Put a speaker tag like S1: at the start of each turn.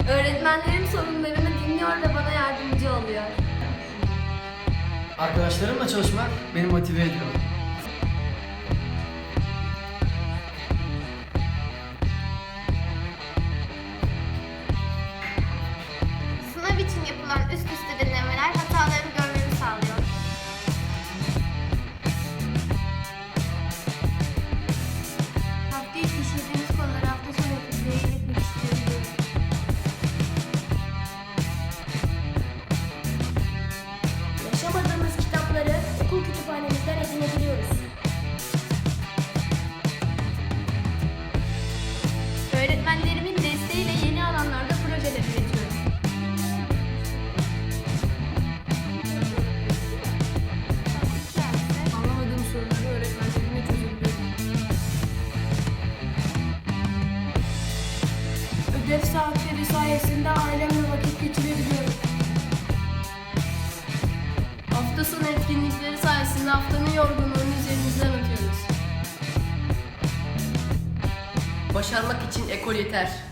S1: Öğretmenlerim sorunlarımı dinliyor ve bana yardımcı oluyor.
S2: Arkadaşlarımla çalışmak beni motive ediyor.
S3: Sınav için yapılan üst üste denemeler hatalarımı görmemi sağlıyor. Hafta içi işlediğimiz konuları hafta sonu etkinliğe iletmek istiyorum.
S4: Yaşamadığımız kitapları okul kütüphanemizden edinebiliyoruz.
S1: Öğretmenlerimin desteğiyle yeni alanlarda projeler üretiyorum.
S5: Anlamadığım soruları öğretmenlerimle çözebiliyorum.
S4: Ödev saatleri sayesinde ailemle vakit geçirebiliyorum.
S5: Hafta sonu etkinlikleri sayesinde haftanın yorgunluğunu üzerimizden atıyoruz. Başarmak için ekol yeter.